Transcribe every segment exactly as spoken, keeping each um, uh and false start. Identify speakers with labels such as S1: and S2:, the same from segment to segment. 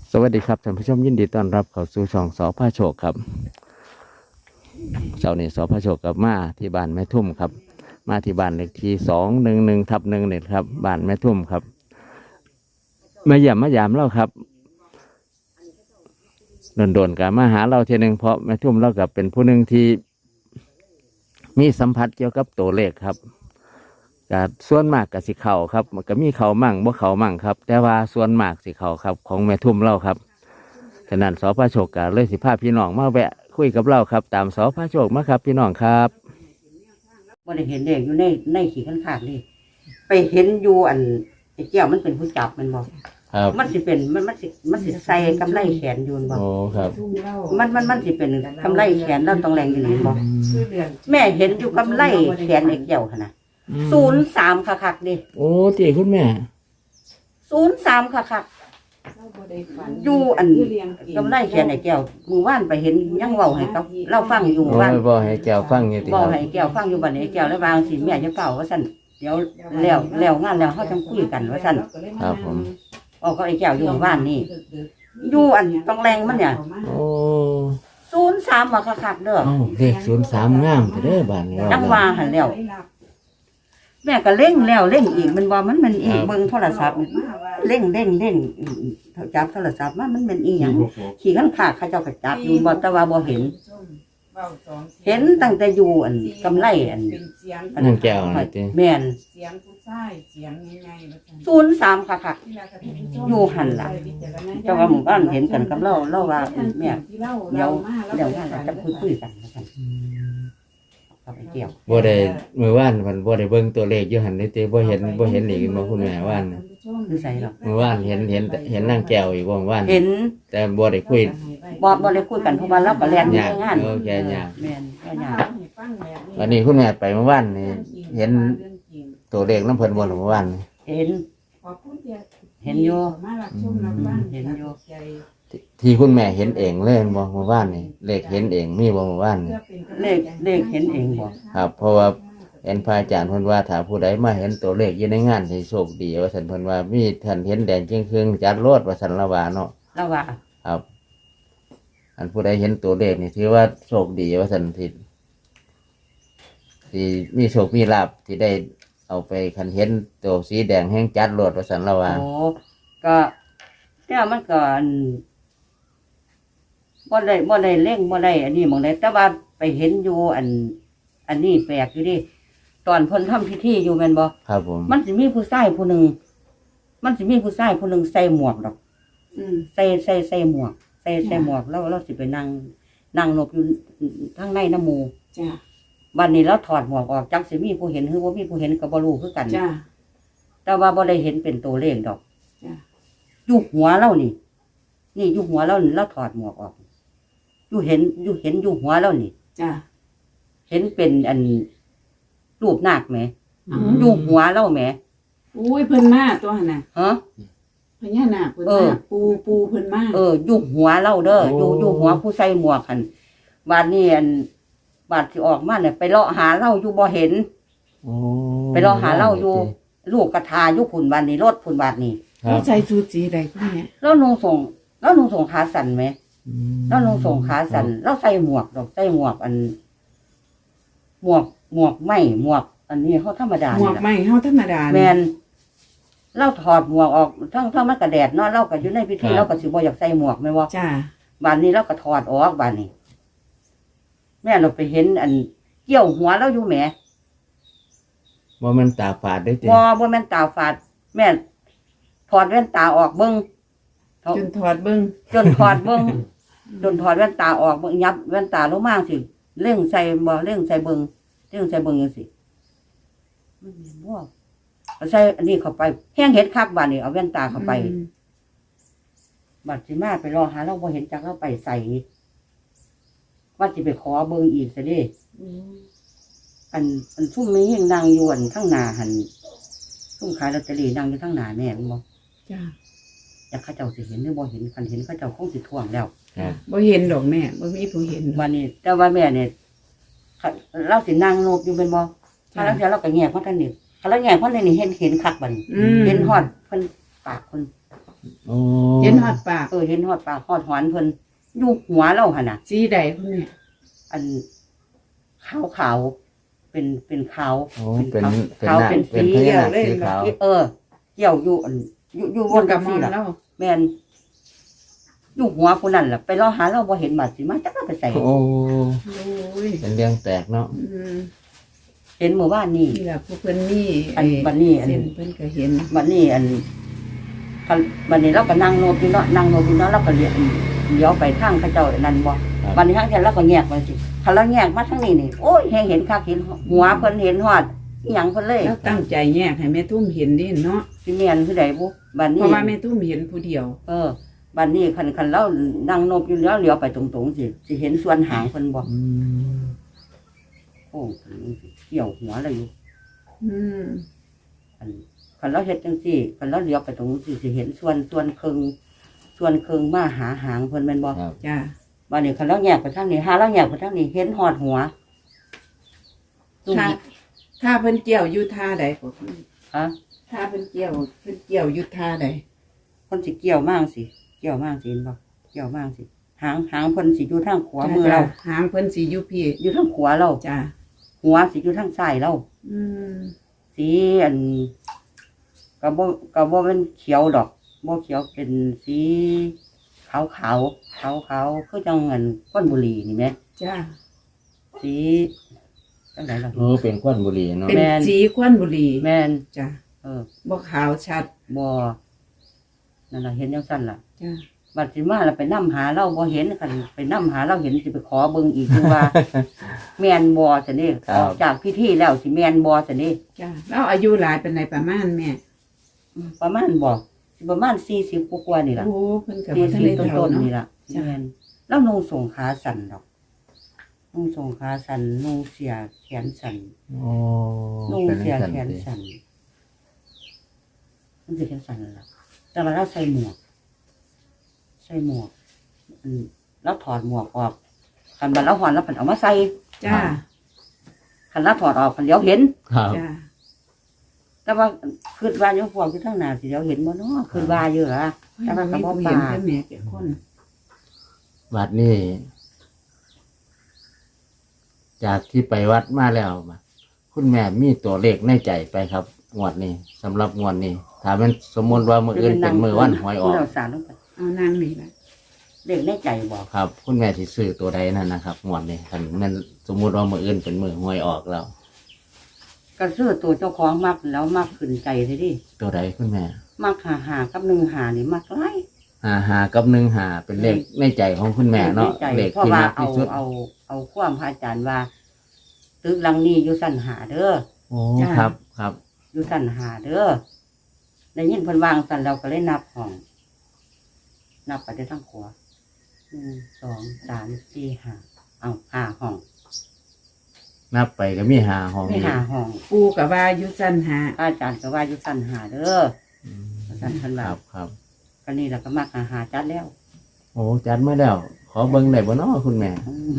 S1: สวัสดีครับท่านผู้ชมยินดีต้อนรับเข้าสู่ช่องสอพาโชคครับเช้านี้สอพาโชคกับมาที่บ้านแม่ทุ่มครับมาที่บ้านเลขที่สองหนึ่งหนึ่งทับหนึ่งเนี่ยครับบ้านแม่ทุ่มครับมาเยี่ยมมายามเราครับโดนๆกับมาหาเราทีหนึ่งเพราะแม่ทุ่มเรากับเป็นผู้หนึ่งที่มีสัมผัสเกี่ยวกับตัวเลขครับกับส่วนมากกับสิเข่าครับมันก็มีเข่ามั่งบ่เข่ามั่งครับแต่ว่าส่วนมากสิเข่าครับของแม่ทุ่มเราครับฉะนั้นสอพาโชคกับเลยสิพาพี่น้องมาแวะคุยกับเราครับตามสอพาโชคมาครับพี่น้องครับ
S2: บ่ได้เห็นเด็กอยู่ในในขี่ขันขาดเลยไปเห็นอยู่อันไอ้แก้วมันเป็นผู้จับมันบอก
S1: ครับ
S2: มันสิเป็นมันมันสิมันสิใส่กำไรแขนอยู่บอก
S1: โอ้ครับ
S2: มันมันมันสิเป็นกำไรแขนแล้วต้องแรงอยู่นี่บอกแม่เห็นอยู่กำไรแขนไอ้แก้วขนาดศูนย์สามคักๆดิ
S1: โอ้ตีคุณแม่
S2: ศูนย์สามคักๆอยู่อันกำไรแขนไอ้แก้วมือว่านไปเห็นยังเว้าให้กับเล่าฟังอยู่
S1: โอ้
S2: ว่าน
S1: ยบ่ให้แก้วฟังอยู่ติ
S2: บ
S1: ค
S2: อก
S1: รับ
S2: ให้แก้วฟังอยู่บัดนี้แก้วแล้ววางสิแม่จะเป่าว่าสั่นเดี๋ยวแล้วแล้วงานแล้วเขาจังคุยกันว่าสั่น
S1: ครับผม
S2: ออกก็ไอ้แก้วอยู่บ้านนี่อยู่อันต้องแรงมันเนี่ย
S1: โอ้
S2: ศูนย์สามมาคักๆเด้อ
S1: เอ้าเลขศูนย์สามงามแต่เด้อบ้านเรา
S2: จังว่าหันแล้วแม่ก็เล่งแล้วเล่งอีกมันว่ามันมันอีกเบิ่งโทรศัพท์เล่งเล่งเล่งจับโทรศัพท์มามันเป็นอีหยังขี่ขันขาเขาเจ้าก็จับอยู่บ่แต่ว่าบ่เห็น เห็นตั้งแต่อยู่อันกำไรอัน
S1: นั่งแก้วนี่ติ
S2: แม่น
S3: เสียงผู้ชายเสียงง่ายๆ
S2: ศูนย์สามคักๆอยู่หันล่ะเจ้าว่าหมู่บ้านเห็นกันกับเราเราว่าแม่เดี๋ยวเดี๋ยวงานเราจะคุยคุยกันว่าซั่นกับไอ้แก้ว
S1: บ่ได้มื้อวานเพิ่นบ่ได้เบิ่งตัวเลขอยู่หั่นนี่ติบ่เห็นบ่เห็นอีกบ่คุณแม่ว่านน่ะ
S2: คือใส่หรอก
S1: มื้อวานเห็นเห็นเห็นนางแก้วอีกบ่มื้อวาน
S2: เห็น
S1: แต่บ่ได้คุย
S2: บ่บ่ได้คุยกันเพราะว่าเราก็แล่นอยู่
S1: ยาก
S2: ในงาน
S1: เออแกยาก
S2: แม่นแค่ยาก
S1: วันนี้คุณแม่ไปเมื่อวานนี่เห็นตัวเลขน้ำเพิ่นบ่ล่ะเมื่อวานนี่
S2: เห็น เห็นอยู่
S3: เห็นอยู่
S1: ที่ที่คุณแม่เห็นเองเลยบ่เมื่อวานนี่เลขเห็นเองมีบ่เมื่อวานนี่
S2: เลขเลขเห็นเองบ่
S1: ครับ เพราะว่าเห็นพระอาจารย์เพิ่นว่าถ้าผู้ใดมาเห็นตัวเลขอยู่ในงานสิโชคดีว่าซั่นเพิ่นว่ามีท่านเห็นแดงจึงครึ่งจัดโลดว่าซั่นละว่าเนาะ
S2: เราว่า
S1: ครับ อันผู้ใดเห็นตัวเลขนี่ถือว่าโชคดีว่าซั่นที่ที่มีโชคมีลาภที่ได้เอาไปคันเห็นตัวสีแดงแห้งจัดโลดว่าซั่นละว่า
S2: โอ้ก็เนี่ยมันก็อันบ่ได้บ่ได้เล่งบ่ได้อันนี้หมองใดแต่ว่าไปเห็นอยู่อัน อันนี้แปลกอยู่ดิตอนเพิ่นทำพิธีอยู่แม่นบ่
S1: ครับผม
S2: มันสิมีผู้ชายผู้หนึ่งมันสิมีผู้ชายผู้หนึ่งใส่หมวกดอก
S3: อืม
S2: ใส่ใส่ใส่หมวก ใส่ใส่หมวกแล้วเราสิไปนั่งนั่งหลบอยู่ทางในน้ำหมู
S3: จ้า
S2: บัดนี้เราถอดหมวกออกจักสิมีผู้เห็นหรือบ่มีผู้เห็นก็บ่รู้คือกัน
S3: จ้า
S2: แต่ว่าบ่ได้เห็นเป็นตัวเลขดอก
S3: จ้ะ
S2: อยู่หัวเรานี่ นี่อยู่หัวเรานี่เราถอดหมวกออกอยู่เห็นอยู่เห็นอยู่หัวเรานี่
S3: จ้า
S2: เห็นเป็นอันรูปนาคแหม
S3: อืม
S2: อยู่หัวเราแหม
S3: อุ้ยเพิ่นมาตัวหั่นน่ะ
S2: ฮะ
S3: พญานาคเพิ่น
S2: เอ
S3: มา
S2: อ
S3: ปูปูเพิ่นมา
S2: เอออยู่หัวเราเด้อ
S1: โอ้
S2: อยู่อยู่หัวผู้ใส่หมวกหันบาดนี้อันบาดที่ออกมาเนี่ยไปเลาะหาเราอยู่บ่เห็น
S1: โอ้
S2: ไปรอหาเราอยู่ ลูกกระทาอยู่ผุนบานนี้รถผุนบาดนี้
S1: ครั
S3: เขา
S1: บ
S3: ใส่ชุดสีใดคุณแม่
S2: แล้วนุ่งส่งแล้วนุ่งส่งขาสั่นไหม
S1: อืม
S2: แล้วนุ่งส่งขาสั่นแล้วใส่หมวกดอกใส่หมวกอัน หมวกหมวกไหมหมวก อันนี้เขาธรรมดา
S3: หมว
S2: นี่
S3: ก
S2: ล่ะ
S3: ไหมเฮาธรรมดา
S2: แมนเราถอดหมวกออกทั้งทั้งมันกระแดดเนาะเราก็อยู่ในพิธีเราก็สิบ่อยากใส่หมวกแม่นบ่
S3: จ้า
S2: บานนี้เราก็ถอดออกบานนี้ แม่เราไปเห็น อันเกี่ยวหัวเราอยู่แหม
S1: ว่ามันตาฝาดได้ติ
S2: บ่บ่แม่นตาฝาด แม่ถอดแว่นตาออกเบิ่ง
S3: จนถอดเบิ่ง
S2: จนถอดเบิ่งจนถอดแว่นตาออกเบิ่งยับแว่นตาลงมาสิเร่งใส่บ่เร่งใส่เบิ่งเร่งใส่เบิ่งจังซี่มันแม่นบ่เอาใส่อันนี้เข้าไปแห้งเห็ดคักบาดนี้เอาแว่นตาเข้าไป
S3: อืม
S2: บัดสิมาไปรอหาเราบ่เห็นจักเราไปใส่ว่าสิไปขอเบิ่งอีกซะเด้
S3: อืม
S2: อันอันซุ่มมียังนั่งอยู่อันข้างหน้าหันซุ่มขายลอตเตอรี่นั่งอยู่ข้างหน้าแม่นบ่
S3: จ้า
S2: อยากเขาเจ้าสิเห็นหรือบ่เห็นคันเห็นเขาเจ้าคงสิท่วงแล้ว
S1: ครับ
S3: บ่เห็นดอกแม่บ่มีผู้เห็น
S2: วันนี้แต่ว่าแม่เนี่ยคันเราสินั่งโนบอยู่เป็นบ่ถ้าเราเดี๋ยวเราก็แงกเพราะท่านนี่ถ้าเราแงกเพราะท่านนี่เห็นเห็นคักบัดนี้
S3: อืม
S2: เห็นฮอดเพิ่นปากเพิ่น
S1: โอ้
S3: เห็นฮอดปาก
S2: เออเห็นฮอดปากฮอดหอนเพิ่นอยู่หัวเราหั่นน่ะ
S3: สีใดคุณแม่
S2: อันขาวขาวๆเป็นเป็นขาว
S1: โอ้เป็น
S2: ขาว
S1: เป็น
S2: ขาว
S1: หน้า
S2: เป็น
S1: เป็น
S2: สี
S1: พญานาคสีขาว
S2: เออเกี่ยวอยู่อันอยู่อยู่
S3: อบ ยู่
S2: น
S3: กับ
S2: จัง
S3: มอ
S2: ซี่
S3: ง
S2: ล่ะ
S3: แล้ว
S2: แม่นอยู่หัวคนนั้นล่ะไปรอหาเราบ่เห็นบาดสิมาจักเราไปใส่
S1: โอ้
S3: โอ้ย
S1: เป็นเรื่องแปลกเนาะ
S3: อืม
S2: เห็นเมื่อวานนี้
S3: นี่ล่ะผู้เพิ่นมี
S2: อันบัดนี้อัน
S3: เส้นเพิ่นก็เห็น
S2: บัดนี้อันคันบัดนี้เราก็นั่งโนบอยู่เนาะนั่งโนบอยู่เนาะเราก็เลี้ยวเลี้ยวไปทางเขาเจ้านั่นบ่บัดนี้ทางเที่ยเราก็แยกมาสิคันเราแยกมาทางนี้นี่โอ้ยแฮงเห็นคักเห็นหัวเพิ่นเห็นฮอดอีหยังเพิ่นเลย
S3: แล้วตั้งใจแยกให้แม่ทุ่มเห็นดิเนาะ
S2: สิแม่นคือใดบุบัด
S3: เพ
S2: นี้
S3: ราะว่าแม่ตุ้มเห็นผู้เดียว
S2: เออบัดนี้คันคันเรานั่งโนบอยู่แล้วเลี้ยวไปตรงๆสิสิเห็นส่วนหางเพิ่นบ่
S1: อืม
S2: โอ้เกี่ยวหัวเลยอยู่
S3: อืม
S2: อันคันเราเฮ็ดจังซี่คันเราเลี้ยวไปตรงนู้นสิสิเห็นส่วนส่วนครึ่งส่วนครึ่งมาหาหางเพิ่นแม่นบ่
S1: ครับ
S3: จ้า
S2: บัดนี้คันเราแยกไปทางนี้หาเราแยกไปทางนี้เห็นฮอดหัวตุ้ม
S3: ถ้าถ้าเพิ่นเกี่ยวอยู่ท่าใดก็คือ
S2: ฮะ
S3: ถ้าเพิ่นเกี่ยวเพิ่นเกี่ยวอยู่ท่าใด
S2: เพิ่นสิเกี่ยวมากสิเกี่ยวมากสิเห็นบ่เกี่ยวมากสิหางหางเพิ่นสิอยู่ทางขวามือเรา
S3: จ้ะหางเพิ่นสิอยู่พี่
S2: อยู่ทางขวาเรา
S3: จ้า
S2: หัวสิอยู่ทางซ้ายเรา
S3: อืม
S2: สีอันก็บ่ก็บ่เป็นเขียวดอกบ่เขียวเป็นสีขาวขาวขาวขาวๆคือจังเงินก้นบุหรี่นี่แหม
S3: จ้า
S2: สีจังไดล่ะ
S1: โอ้เป็นควันบุหรี่เนาะ
S3: เป็น
S2: แม่น
S3: สีควันบุหรี่
S2: แม่น
S3: จ้า
S2: เออ
S3: บ่ขาวชัด
S2: บ่นั่นล่ะเห็นจังซั่นล่ะ
S3: จ้า
S2: บัดสิมาแล้วไปนำหาเราบ่เห็นคันไปนำหาเราเห็นสิไปขอเบิ่งอีกอยู่ว่า แม่นบ่ซั่นนี่ออกจากพิธีแล้วสิแม่นบ่ซั่นนี่
S3: จ้าแล้วอายุหลายเป็นไรประมาณแม่
S2: ประมาณบ่สิประมาณสี่สิบกว่าๆนี่ล่ะ
S3: โอ้เพิ่นก็
S2: สี่
S3: บ่ทัน
S2: สิบ
S3: ได้
S2: ต้
S3: เฒ่าน
S2: ๆ
S3: เนาะ
S2: นี่ล่ะ
S3: จ้ะ
S2: แม่นแล้วนุ่งสงขาสั่นดอกนุ่งสงขาสั่นนุ่งเสียแขนสั่น
S1: โอ้
S2: นุ่ง
S1: เป็น
S2: เสีย
S1: จัง
S2: แข
S1: ซั่น
S2: น
S1: สิ
S2: สั่นมันสิแขนสั่นล่ะแต่ว่าเราใส่หมวก ใส่หมวกอืมแล้วถอดหมวกออกคันบัดแล้วหอนแล้วผันเอามาใส่
S3: จ้า
S2: คันแล้วถอดออกคันเดี๋ยวเห็น
S1: ครับ
S3: จ้า
S2: แต่ว่าคืนว่าอยู่พวกที่ทั้งหน้าสิเดี๋ยวเห็นบ่เนาะคืนว่าอยู่ล่ะ แต่ว่าก็บ่
S3: มี
S2: ปา
S3: เห็นแค่แม่แก่คน
S1: วัดนี่จากที่ไปวัดมาแล้วมาคุณแม่มีตัวเลขในใจไปครับงวดนี้สำหรับงวดนี้ถ้ามันสมมติว่ามืออื่นเป็นมือวันหวยออก
S2: เราสารลงไป
S3: เอานางนี่ล่ะ
S2: เด็กในใจบอก
S1: ครับ คุณแม่สิซื้อตัวใดนั่นนะครับงวดนี้คันมันสมมุติว่ามืออื่นเป็นมือหวยออกแล้ว
S2: ก็ซื้อตัวเจ้าของมักแล้วมักขึ้นใจเลยดิ
S1: ตัวใดคุณแม่
S2: มักหาหากับหนึ่งหานี่มักไล่
S1: หาหากับหนึ่งหาเป็นเลขในใจของคุณแม่เนาะ
S2: ใจ
S1: เลข
S2: เพราะ
S1: ที่
S2: ว่า
S1: มัก
S2: เอา
S1: ที่สุด
S2: เอาเอาความพระอาจารย์ว่าตึกหลังนี้อยู่สั้นหาเด้อ
S1: โอ้ครับครับ
S2: อยู่สั้นหาเด้อได้ยินเพิ่นวางสั้นเราก็เลยนับห้อง นับไปได้ทั้งขวาหนึ่งสองสามสี่ห้าเอาห้าห้อง
S1: นับไปก็มีหาห้อง
S2: ไม่หาห้อง
S3: ปูกับว่าอยู่สั้นหา
S2: พระอาจารย์ก็ว่าอยู่สั้นหาเด้อ
S1: อืม
S2: สั้นเพิ่น
S1: ค
S2: ว่า
S1: รับครับ
S2: ก็นี่แหละก็มักหาหาจัดแล้ว
S1: โอ้จัดมาแล้ว ขอเบิ่งได้บ่เนาะคุณแม่
S2: อืม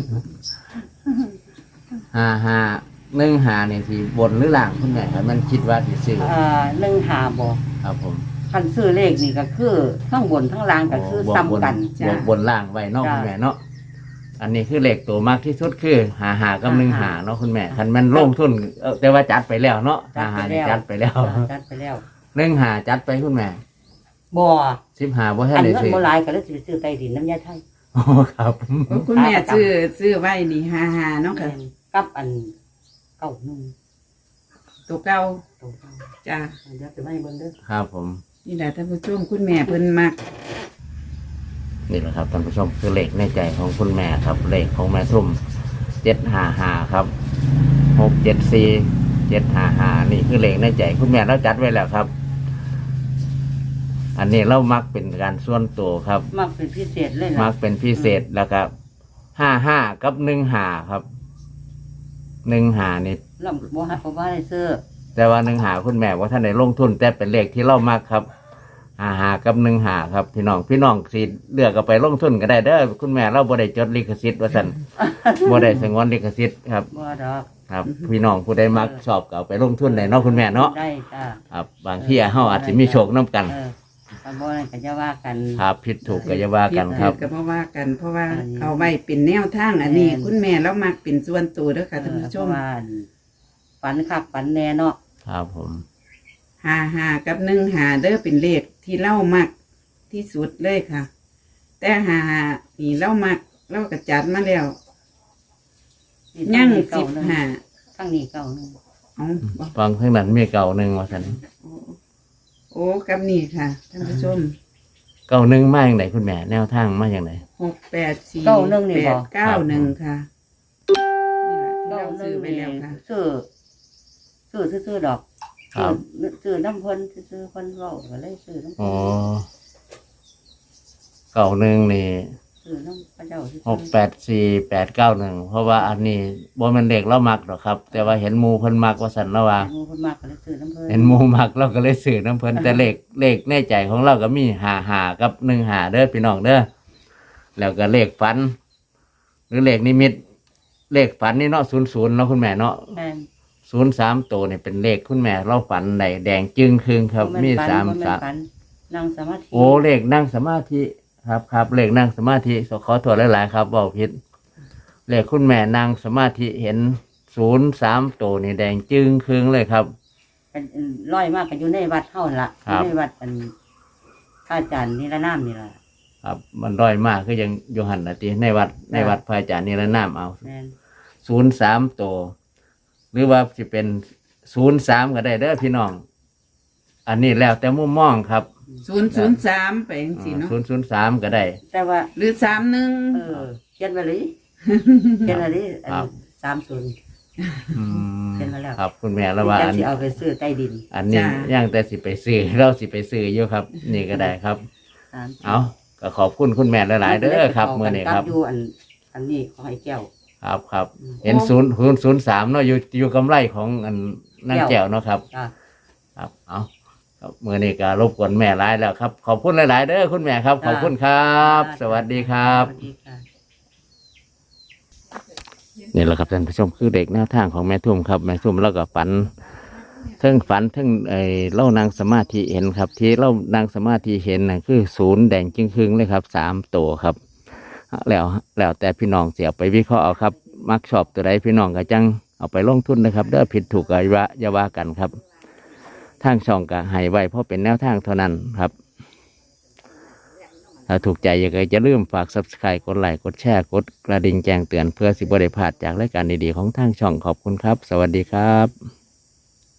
S1: หาหาหนึ่งหาเนี่ยที่บนหรือล่างคุณแม่ครับมันคิดว่าสิซื้อ
S2: เอ่อหนึ่งหาบ่
S1: ครับผม
S2: คันซื้อเลขนี่ก็คือทั้งบนทั้งล่างก็คือซ้ำกัน
S1: บวกบนล่างไว้เนาะ
S2: จ้ะ
S1: คุณแม่เนาะอันนี้คือเลขตัวมากที่สุดคือหาหากับหนึ่งหาเนาะคุณแม่คันมันลงทุนเอ่อแต่ว่าจัดไปแล้วเนาะหาหานี่จัดไปแล้ว
S2: จัดไปแล้ว
S1: หนึ่งหาจัดไปคุณแม่
S2: บ่
S1: สิบหาบ่ทั
S2: อั
S1: น
S2: น
S1: ได้
S2: เงิน
S1: ซื้อ
S2: บ่หลายก็เลยสิไปซื้อใต้ดินน้ำยาไทย
S1: โอ้ครับ
S3: โอ้คุณแม่ซื้อซื้อไว้นี่หาหาเนาะค่ะ
S2: กับอันเก้าหนึ่ง
S3: ตัวเก่า
S2: ตัวเก้า
S3: จ้า
S2: เดี๋ยวจะไม่เบิ่งเด้อ
S1: ครับผม
S3: นี่แหละท่านผู้ชมคุณแม่เพิ่นมัก
S1: นี่แหละครับท่านผู้ชมคือเลขในใจของคุณแม่ครับเลขของแม่ทุ่มเจ็ดหาหาครับหกเจ็ดสี่เจ็ดหาหานี่คือเลขในใจคุณแม่เราจัดไว้แล้วครับ อันนี้เรามักเป็นการส่วนตัวครับ
S2: มักเป็นพิเศษเลย
S1: มั
S2: ล่ะ
S1: กเป็นพิเศษแล้วก็ห้าห้ากับหนึ่งหาครับหนึ่งหานี่
S2: แล้วบ่ให้บ่ว่าให้ซื้อ
S1: แต่ว่าหนึ่งหาคุณแม่ว่าท่านในลงทุน แต่เป็นเลขที่เรามักครับหาหากับหนึ่งหาครับ พี่น้องพี่น้องสิเลือกเอาไปลงทุนก็ได้เด้อคุณแม่เราบ่ได้จดลิขสิทธิ์ว่าสัน บ่ได้สงวนลิขสิทธิ์ครับ
S2: บ่ดอก
S1: ครับ พี่น้องผู้ใดมักชอบก็เอาไปลงทุนได้เนาะคุณแม่เนาะ
S2: ได้จ้า
S1: ครับบางที่เฮาอาจจะมีโชคนํกัน
S2: เออไปถ้าบ่นั่นก็จะว่ากัน
S1: ครับผิดถูกก็อย่าว่ากันครับ
S3: ก็เพราะว่ากัน เพราะว่า
S2: อันนี้
S3: เอาไว้เป็นแนวทางอันนี้
S2: แม่น
S3: คุณแม่แล้วมักเป็นส่วนตัวเด้อค่ะท่านผู้ชม
S2: เพระว่าฝันคักฝันแน่เนาะ
S1: ครับผม
S3: หาหากับหนึ่งหาเด้อเป็นเลขที่เล่ามักที่สุดเลยค่ะ แต่หาหานี่เล่ามักเล่ากระจัดมาแล้วยั่งสิบหา
S2: ทั้งนี้เก่าหนึง
S3: เอาบ่
S1: ฟังข้างนั้นมีเก่าหนึ่งว่าสัน
S3: โอ้โอ้กับนี่ค่ะท่านผู้ชม
S1: เก่าหนึ่งมาอย่างไรคุณแม่แนวทางมาอย่างไร
S3: หกแปดสี่
S2: เก้าหนึ่งนี่
S3: แป
S2: บ่
S3: ดเก้าหนึ่งค่ะนี่แหละที่
S2: เก่า
S3: เรา
S2: หนึ
S3: ซื้อง ไป
S2: นี่
S3: แล้วค่ะ
S2: ซื้อซื้อซื้อๆดอก
S1: ครับ
S2: ซื้อซื้อน้ำเพิ่นซื้อๆเพิ่นเว้าก็เลยซื้อน้ำ
S1: อ๋
S2: เพิ่
S1: อน เก่าหนึ่งนี่
S2: ซื้อน้ำพระเจ้าซื้อ
S1: หกแปดสี่แปดเก้าหนึ่งเพราะว่าอันนี้บ่แมันเด็กเรามักหรอกครับ แต่ว่าเห็นหมูเพิ่นมักว่าสันแล้วว่า
S2: หมู่เพิ่นมากก็เลยซื้อน้ำเพิ่น
S1: เห็นหมูมักเราก็เลยสื่อน้ำเพิ่นแต่เลขเลขในใจของเราก็มีหาหากับหนึ่งหาเด้อพี่น้องเด้อแล้วก็เลขฝัน หรือเลขนิมิต เลขฝันนี่เนาะศูนย์ศูนย์เนาะคุณแม่เนาะ
S2: แม่น
S1: ศูนย์สามตัวเนี่ยเป็นเลขคุณแม่เราฝันในแดงจึงคืงครับ
S2: บ่แน
S1: มี
S2: ฝัน
S1: สาม
S2: บ่แน
S1: สาม
S2: ฝันนั่งสมาธิ
S1: โอ้เลขนั่งสมาธิครับครับเลขนั่งสมาธิขอโทษหลายๆครับบอกผิดเลขคุณแม่นั่งสมาธิเห็นศูนย์สามตัวนี่แดงจึงคืงเลยครับ
S2: เป็นร้อยมากก็อยู่ในวัดเฮานั่นล่ะ
S1: ครับ
S2: อยู่ในวัดอันพระอาจารย์นิรนามนี่ล่ะ
S1: ครับมันด้อยมากคือยังโยหันนะทีในวัดในวัดพระอาจารย์นี่ละน้ำเอา
S2: แม่น
S1: ศูนย์สามตัวหรือว่าจะเป็นศูนย์สามก็ได้เด้อพี่น้อง อันนี้แล้วแต่มุมมองครับ
S3: ศูนย์ศูนย์สามไปจังสิเนาะ
S1: ศูนย์ศูนย์สามก็ได้
S2: แต่ว่า
S3: หรือสามหนึ่ง
S2: เออเขียนไว้เลยเขียนไว้เลยอัน
S1: ครับ
S2: สามศูนย์
S1: อืม
S2: เห็นมาแล้ว
S1: ครับคุณแม่แล้วว่า
S2: จะ
S1: อัน
S2: สิเอาไปซื้อใต้ดิน
S1: อันนี้ย่างแต่สิไปซื้อเราสิไปซื้ออยู่ครับ นี่ก็ได้ครับ
S2: สาม
S1: เอาก็ขอบคุณคุณแม่หลายๆเด้อครับเมื่อนี้ครับ
S2: อยู่อันอันนี้ของไอ้แก้ว
S1: ครับครับ เห็นศูนย์ศูนย์ศูนย์สามเนาะอยู่อยู่กำไรของอันนั่งแก้วเนาะครับ
S2: จ้ะ
S1: ครับเอาครับเมื่อนี้ก็รบกวนแม่หลายแล้วครับ ขอบคุณหลาย ๆ เด้อคุณแม่ครับ ขอบคุณครับ สวัสดีครับ
S2: สวัสดีค่ะ
S1: นี่แหละครับท่านผู้ชมคือเด็กแนวทางของแม่ทุ่มครับแม่ทุ่มเราก็ฝันเทั้งฝันเทั้งไอ้เล่านางสมาธิเห็นครับ ที่เล่านางสมาธิเห็นน่ะคือศูนย์แดงจึงครึ่งเลยครับสามตัวครับ แล้วแล้วแต่พี่น้องเสียไปวิเคราะห์เอาครับ มักชอบตัวใดพี่น้องก็จังเอาไปลงทุนนะครับเด้อผิดถูกก็อย่าอย่าว่ากันครับทางช่องก็ให้ไว้เพราะเป็นแนวทางเท่านั้นครับ ถ้าถูกใจอย่าจะลืมฝาก ซับสไครบ์ กดไลค์ กดแชร์ กดกระดิ่งแจ้งเตือนเพื่อสิบได้พลาดจากรายการดีๆของทางช่องขอบคุณครับ สวัสดีครับ